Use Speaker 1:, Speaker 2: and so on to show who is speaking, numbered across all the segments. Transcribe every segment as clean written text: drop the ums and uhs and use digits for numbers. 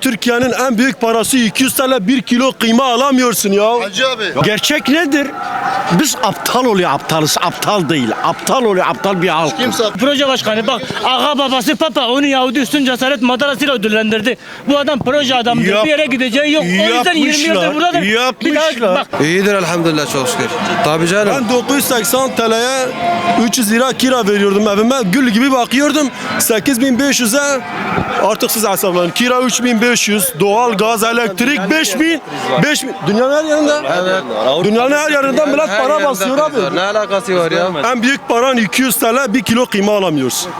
Speaker 1: Türkiye'nin en büyük parası 200 TL 1 kilo kıyma alamıyorsun ya.
Speaker 2: Hacı abi.
Speaker 3: Gerçek nedir? Biz aptal oluyor aptalız. Aptal değil. Aptal oluyor aptal bir halk.
Speaker 2: Kimse
Speaker 4: Proje başkanı bak, ağa babası Papa onu Yahudi üstün cesaret madarasıyla ödüllendirdi. Bu adam proje adamdır.
Speaker 3: Yap-
Speaker 4: Bir yere gideceği yok. O yüzden 20 yıldır buradadır. Bir daha
Speaker 3: Yapmışlar.
Speaker 4: bak.
Speaker 5: İyidir elhamdülillah çok şükür. Tabii canım.
Speaker 1: Ben 980 TL'ye 300 lira kira veriyordum evime. Gül gibi bakıyordum. 8500'e artık siz hesaplayın. Kira 3500, doğal gaz, elektrik 5000. Dünyanın her yerinde. Dünyanın her yerinden millet
Speaker 5: Her
Speaker 1: para
Speaker 5: yerinde
Speaker 1: basıyor
Speaker 5: kriz var.
Speaker 1: abi.
Speaker 5: Ne alakası var ya?
Speaker 1: En büyük paran 200 TL 1 kilo kıyma alamıyorsun.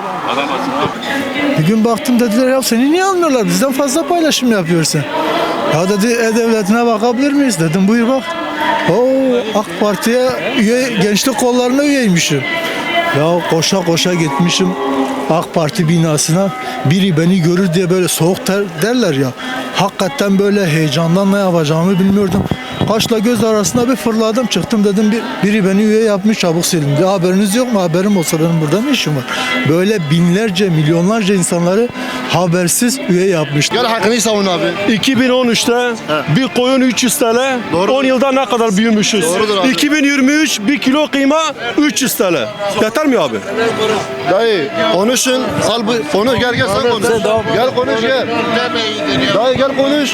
Speaker 6: Bir gün baktım dediler ya seni niye almıyorlar bizden fazla paylaşım yapıyorsun. Ya dedi E-Devleti'ne bakabilir miyiz dedim buyur bak. Oo AK Parti'ye üye, gençlik kollarına üyeymişim. Ya koşa koşa gitmişim AK Parti binasına. Biri beni görür diye böyle soğuk derler ya. Hakikaten böyle heyecandan ne yapacağımı bilmiyordum. Kaşla göz arasında bir fırladım çıktım dedim biri beni üye yapmış çabuk silindi. Haberiniz yok mu? Haberim olsa benim burada ne işim var? Böyle binlerce milyonlarca insanları habersiz üye yapmış.
Speaker 2: gel hakkını savun abi.
Speaker 1: 2013'te bir koyun 300 TL.
Speaker 2: Doğrudur.
Speaker 1: 10 yılda ne kadar büyümüşüz?
Speaker 2: Doğrudur abi.
Speaker 1: 2023 1 kilo kıyma 300 TL. Yeter mi abi?
Speaker 2: Dayı konuşun. Al bu konuş gel sen konuş. Gel konuş gel. Dayı gel konuş.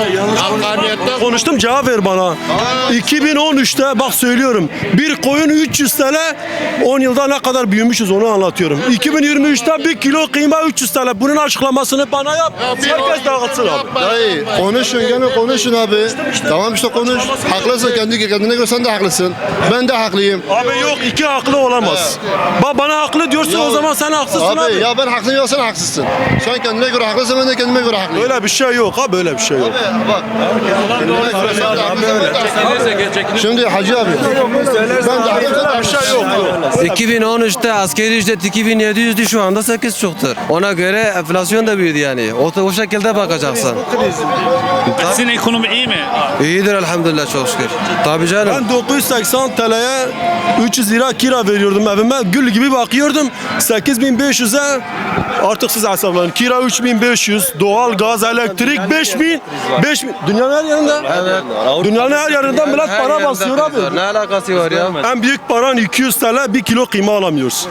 Speaker 1: Konuştum cevap ver bana. 2013'te bak söylüyorum bir koyun 300 TL 10 yılda ne kadar büyümüşüz onu anlatıyorum. 2023'te bir kilo kıyma 300 TL. Bunun açıklamasını bana yap. Herkes dağıtsın abi.
Speaker 2: Dayı konuşun gene konuşun abi. Tamam işte konuş. Haklısın kendine göre sen de haklısın. Ben de haklıyım.
Speaker 1: Abi yok iki haklı olamaz. Bak bana haklı diyorsun o zaman sen haksızsın abi.
Speaker 2: Ya ben haklıyım ya sen haksızsın. Sen kendine göre haklısın ben de kendime göre haklıyım.
Speaker 1: Öyle bir şey yok ha böyle bir şey yok.
Speaker 2: Bak. Kendine göre sen de haklısın, ben de haklıyım. Şimdi Hacı abi. Ben de haklıyım.
Speaker 1: Bir şey yok.
Speaker 5: 2013'te askeri ücret 2700'dü şu anda 8 çoktur. Ona göre enflasyon da büyüdü yani. O şekilde bakacaksın.
Speaker 7: Sizin ekonomi iyi mi?
Speaker 5: İyidir elhamdülillah çok şükür. Tabii canım.
Speaker 1: Ben 980 TL'ye 300 lira kira veriyordum evime. Gül gibi bakıyordum. 8500'e artık siz hesaplayın. Kira 3500, doğal gaz, elektrik 5000. Dünyanın her yerinde. Dünyanın her yerinden millet
Speaker 5: Her
Speaker 1: para
Speaker 5: yerinde
Speaker 1: basıyor
Speaker 5: kriz var.
Speaker 1: abi.
Speaker 5: Ne alakası var ya?
Speaker 1: En büyük paran 200 TL 1 kilo kıyma alamıyorsun.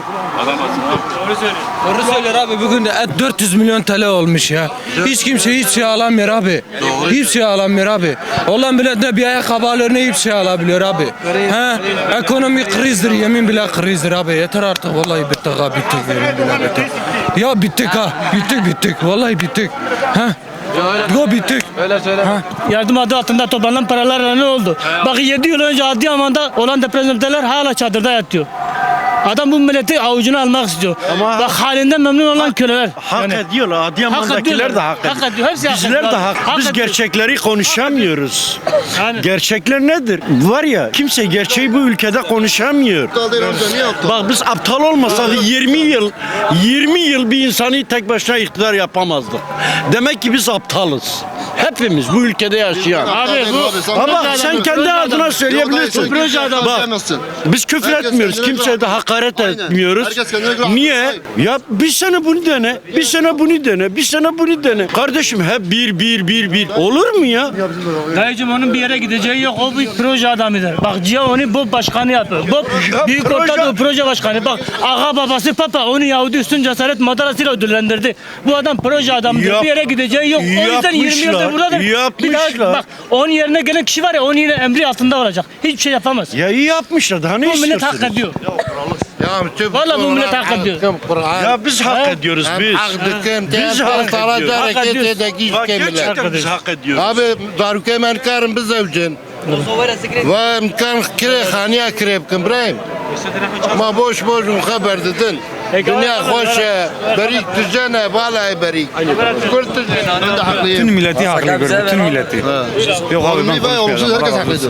Speaker 8: Doğru söylüyor abi bugün de et 400 milyon TL olmuş ya. Hiç kimse hiç şey alamıyor abi. Hiç şey alamıyor abi. Olan millet de bir ayakkabı alıyor ne hiç şey alabiliyor abi. He, ekonomi krizdir yemin bile krizdir abi. Yeter artık vallahi bittik ha bittik yemin bile bittik. Ya bittik ha bittik vallahi bittik. Ha. Yo bittik.
Speaker 5: Öyle söyle.
Speaker 4: Yardım adı altında toplanan paralarla ne oldu? Bak 7 yıl önce Adıyaman'da olan depremzedeler hala çadırda yatıyor. Adam bu milleti avucuna almak istiyor. Bak halinden memnun olan köleler.
Speaker 3: Hak ediyorlar. Adıyaman'dakiler de hak ediyor.
Speaker 4: Hak ediyor. Hepsi hak
Speaker 3: Bizler
Speaker 4: ediyor.
Speaker 3: de hak. Biz
Speaker 4: ediyor.
Speaker 3: gerçekleri konuşamıyoruz.
Speaker 4: Yani.
Speaker 3: Gerçekler nedir? Var ya kimse gerçeği bu ülkede konuşamıyor.
Speaker 2: Aptal değil amca niye aptal?
Speaker 3: Bak biz aptal olmasak 20 yıl bir insanı tek başına iktidar yapamazdık. Demek ki biz aptalız. Hepimiz bu ülkede yaşayan.
Speaker 4: Abi bu
Speaker 3: Ama sen kendi adına söyleyebilirsin.
Speaker 4: Proje adamı.
Speaker 3: Bak biz küfür
Speaker 2: Herkes
Speaker 3: etmiyoruz.
Speaker 2: kendine
Speaker 3: Kimseye
Speaker 2: göre-
Speaker 3: de hakaret
Speaker 2: Aynen.
Speaker 3: etmiyoruz.
Speaker 2: Herkes kendine göre
Speaker 3: Niye?
Speaker 2: haklı.
Speaker 3: Ya bir sene bunu dene. Bir sene bunu dene. Bir sene bunu dene. Kardeşim hep bir. Olur mu ya?
Speaker 4: Dayıcım onun bir yere gideceği yok. O bir proje adamıdır. Bak Cia onu BOP başkanı yapıyor. BOP Büyük
Speaker 3: proje-
Speaker 4: Orta Doğu proje başkanı. Bak ağa babası Papa onu Yahudi üstün cesaret madarasıyla ödüllendirdi. Bu adam proje adamıdır.
Speaker 3: Yap-
Speaker 4: Bir yere gideceği yok. O yüzden 20 yıldır
Speaker 3: Yapmışlar,
Speaker 4: buradadır. Bir daha
Speaker 3: yapmışlar.
Speaker 4: bak onun yerine gelen kişi var ya onun yine emri altında olacak. Hiçbir şey yapamaz.
Speaker 3: Ya iyi yapmışlar. Daha ne
Speaker 4: Bu millet
Speaker 3: istiyorsunuz?
Speaker 4: hak ediyor. Vallahi bu millet hak ediyor.
Speaker 3: Ya biz hak ediyoruz biz. Biz hak ediyoruz.
Speaker 4: Hak ediyoruz.
Speaker 3: Bak gerçekten biz hak ediyoruz.
Speaker 9: Abi daruke من کارم بزوجن و امکان کره خانیا کرب کن برایم ما boş خبر دادن دنیا خوشه بریک تجنه بالای بریک کرد
Speaker 2: Ben de haklıyım.
Speaker 7: Bütün milleti haklı görüyorum. Bütün milleti. Yok abi ben
Speaker 2: Olumlu ve olumsuz herkes haklıydı.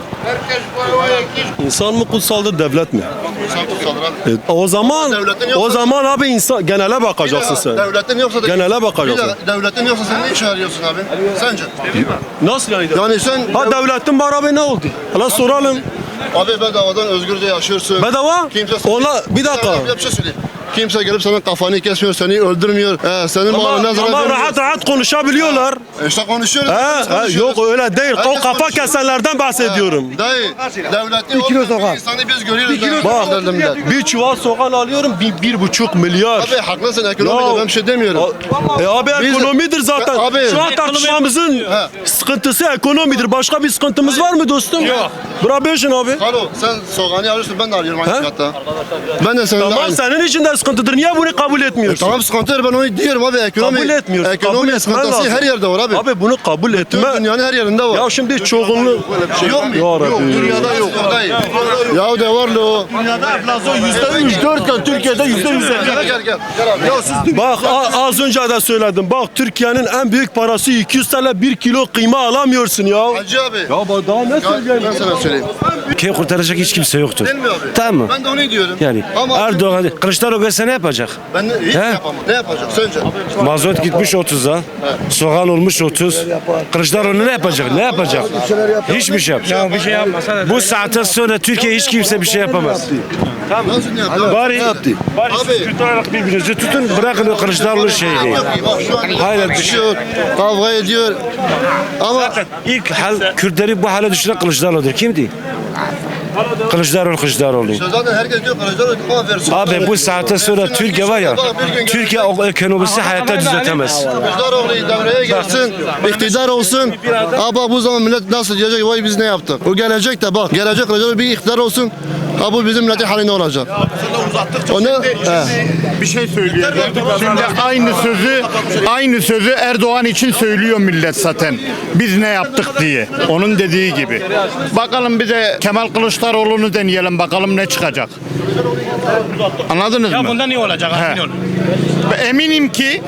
Speaker 1: İnsan mı kutsaldır devlet mi?
Speaker 2: İnsan kutsaldır abi.
Speaker 1: O
Speaker 2: Devletin
Speaker 1: zaman
Speaker 2: yoksa-
Speaker 1: abi insan genele bakacaksın sen.
Speaker 2: Devletin yoksa da...
Speaker 1: Genele bakacaksın.
Speaker 2: Bir de Devletin yoksa sen ne iş arıyorsun abi? Sence?
Speaker 1: Nasıl yani?
Speaker 2: Yani sen...
Speaker 1: Ha devletin var abi ne oldu? Hala soralım.
Speaker 2: Abi bedavadan özgürce yaşıyorsun.
Speaker 1: Bedava?
Speaker 2: Kimse...
Speaker 1: Ona bir dakika.
Speaker 2: Bir şey söyleyeyim. Kimse gelip senin kafanı kesmiyor, seni öldürmüyor. Senin malına zarar
Speaker 1: Ama
Speaker 2: vermiyor.
Speaker 1: rahat rahat konuşabiliyorlar.
Speaker 2: İşte konuşuyoruz.
Speaker 1: Yok öyle değil. O
Speaker 2: Herkes
Speaker 1: kafa
Speaker 2: konuşuyor.
Speaker 1: kesenlerden bahsediyorum.
Speaker 2: Dayı, devletli olmayan insanı biz görüyoruz.
Speaker 1: Bak bir çuval soğan alıyorum 1,5 milyar.
Speaker 2: Abi haklısın, ekonomide ben bir şey demiyorum.
Speaker 1: Abi
Speaker 2: Biz-
Speaker 1: ekonomidir zaten.
Speaker 2: Abi-
Speaker 1: Şu an tartışmamızın sıkıntısı ekonomidir. Başka bir sıkıntımız var mı dostum? Yok. Brabejin abi.
Speaker 2: Alo, sen soğanı alıyorsun, ben de alıyorum aynı
Speaker 1: He?
Speaker 2: fiyatta. Ben de seninle
Speaker 1: Tamam
Speaker 2: aynı.
Speaker 1: senin için de sıkıntıdır. Niye bunu kabul etmiyorsun?
Speaker 2: Tamam sıkıntıdır, ben onu diyorum abi. Ekonomi,
Speaker 1: Kabul etmiyorsun.
Speaker 2: Ekonomi
Speaker 1: Kabul etmen
Speaker 2: sıkıntısı
Speaker 1: lazım.
Speaker 2: her yerde var abi.
Speaker 1: Abi bunu kabul etme.
Speaker 2: Tüm dünyanın her yerinde var.
Speaker 1: Ya şimdi çoğunluğu...
Speaker 2: Yok mu?
Speaker 1: Ya
Speaker 2: Yok,
Speaker 1: Rabbi.
Speaker 2: dünyada yok. Ya de var lo.
Speaker 1: Dünyada enflasyon %3, 4 Türkiye'de %100.
Speaker 2: Gel gel. Ya siz
Speaker 1: Bak az önce de söyledim. Bak Türkiye'nin en büyük parası 200 TL 1 kilo kıyma alamıyorsun ya.
Speaker 2: Hacı abi.
Speaker 1: Ya bak daha ne
Speaker 2: Ben
Speaker 1: söyleyeyim?
Speaker 2: sana söyleyeyim.
Speaker 10: Ülkeyi kurtaracak hiç kimse yoktur.
Speaker 2: Değil mi abi?
Speaker 10: Tamam mı?
Speaker 2: Ben de onu diyorum.
Speaker 10: Yani
Speaker 2: Ama
Speaker 10: Erdoğan, Kılıçdaroğlu gelse ne yapacak?
Speaker 2: ben hiç
Speaker 10: He?
Speaker 2: yapamam. Ne yapacak sence?
Speaker 10: Mazot gitmiş 30'a, soğan olmuş 30. Kılıçdaroğlu ne yapacak? Ne yapacak? Hiçbir şey yapacak.
Speaker 8: Ya bir şey yapmasa da.
Speaker 10: Bu saatten sonra Türkiye hiç kimse bir şey yapamaz.
Speaker 2: Nasıl ne yaptı?
Speaker 10: Bari, bari
Speaker 2: Abi.
Speaker 10: siz tutarak birbirinizi tutun, bırakın o Kılıçdaroğlu şeyi.
Speaker 2: Bak şu an
Speaker 10: Hayır,
Speaker 2: düşüyor, kavga ediyor. Ama
Speaker 10: İlk Kürtleri bu hale düşüren Kılıçdaroğlu'dur. Kimdi? Kılıçdaroğlu.
Speaker 2: zaten herkes diyor Kılıçdaroğlu kafa versin.
Speaker 10: Abi bu saatten sonra Türkiye var ya, Türkiye o ekonomisi hayatta düzeltemez.
Speaker 2: Kılıçdaroğlu devreye girsin, iktidar olsun. Ama bu zaman millet nasıl diyecek? Vay biz ne yaptık? O gelecek de bak, gelecek Kılıçdaroğlu bir iktidar olsun. Ha bu bizim milletin hali ne olacak? Onu
Speaker 11: Bir şey söylüyor. Şimdi aynı sözü Erdoğan için söylüyor millet zaten. Biz ne yaptık diye. Onun dediği gibi. Bakalım bir de Kemal Kılıçdaroğlu'nu deneyelim bakalım ne çıkacak. Anladınız mı?
Speaker 7: Bundan iyi olacak.
Speaker 11: He. Eminim ki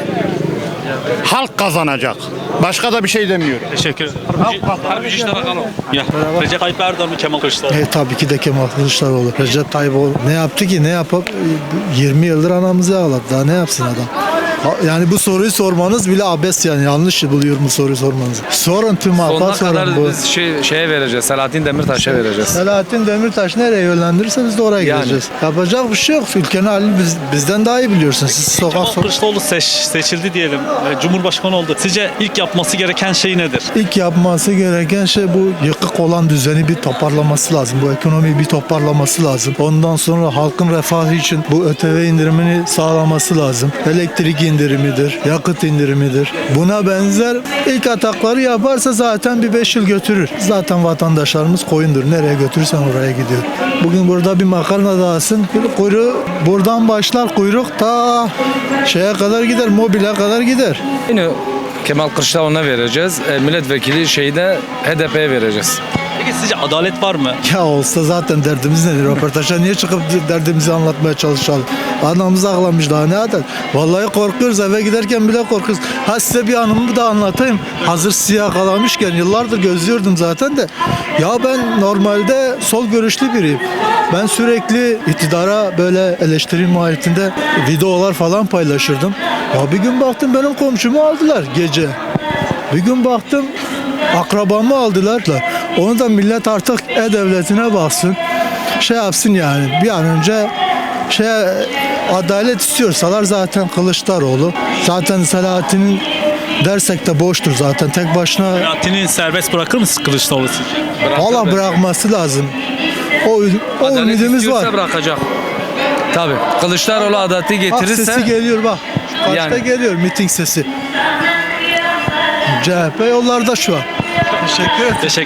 Speaker 11: halk kazanacak. Başka da bir şey demiyorum.
Speaker 7: Teşekkür ederim. Harbi işte bakalım. Ya. Recep Tayyip Erdoğan mı Kemal Kılıçdaroğlu?
Speaker 6: Tabii ki de Kemal Kılıçdaroğlu. Recep Tayyip ne yaptı ki? Ne yapıp 20 yıldır anamızı ağladı. Daha ne yapsın adam? Yani bu soruyu sormanız bile abes yani. Yanlış buluyorum bu soruyu sormanızı. Sorun tüm halka sorun bu.
Speaker 5: Şeye vereceğiz. Selahattin Demirtaş'a vereceğiz.
Speaker 6: Selahattin Demirtaş nereye yönlendirirse biz de oraya
Speaker 5: Yani.
Speaker 6: gideceğiz. Yapacak bir şey yok. Ülkenin halini bizden daha iyi biliyorsunuz. Siz
Speaker 7: Kemal
Speaker 6: sokak
Speaker 7: Kılıçdaroğlu seçildi diyelim. Cumhurbaşkanı oldu. Sizce ilk yapması gereken şey nedir?
Speaker 6: İlk yapması gereken şey bu yıkık olan düzeni bir toparlaması lazım. Bu ekonomiyi bir toparlaması lazım. Ondan sonra halkın refahı için bu ÖTV indirimini sağlaması lazım. Elektrik indirimidir, yakıt indirimidir. Buna benzer ilk atakları yaparsa zaten bir 5 yıl götürür. Zaten vatandaşlarımız koyundur. Nereye götürürsen oraya gidiyor. Bugün burada bir makarna dağısın. Kuyruğu buradan başlar kuyruk ta şeye kadar gider, mobile kadar gider.
Speaker 5: Yine Kemal Kılıçdaroğlu'na vereceğiz. Milletvekili şeyde HDP'ye vereceğiz.
Speaker 7: Peki sizce adalet var mı?
Speaker 6: Ya olsa zaten derdimiz nedir? Röportaja niye çıkıp derdimizi anlatmaya çalışalım? Anamız ağlamış daha ne eder? Vallahi korkuyoruz, eve giderken bile korkuyoruz. Ha size bir anımı da anlatayım. Hazır sizi yakalamışken yıllardır gözlüyordum zaten de. Ya ben normalde sol görüşlü biriyim. Ben sürekli iktidara böyle eleştiri mahiyetinde videolar falan paylaşırdım. Ya bir gün baktım benim komşumu aldılar gece. Bir gün baktım akrabamı aldılar da. Onu da millet artık e-devletine baksın. Şey yapsın yani bir an önce adalet istiyorsalar zaten Kılıçdaroğlu. Zaten Selahattin'in dersek de boştur zaten tek başına.
Speaker 7: Selahattin'i serbest bırakır mısınız Kılıçdaroğlu sizce?
Speaker 6: Valla bırakması lazım. O
Speaker 5: Adalet
Speaker 6: ümidimiz
Speaker 5: istiyorsa
Speaker 6: var.
Speaker 5: bırakacak. Tabii. Kılıçdaroğlu adaleti
Speaker 6: Bak
Speaker 5: getirirse
Speaker 6: sesi geliyor bak. Kaçta
Speaker 5: Yani.
Speaker 6: geliyor miting sesi. CHP yollarda şu an. Teşekkür ederim.
Speaker 7: Teşekkür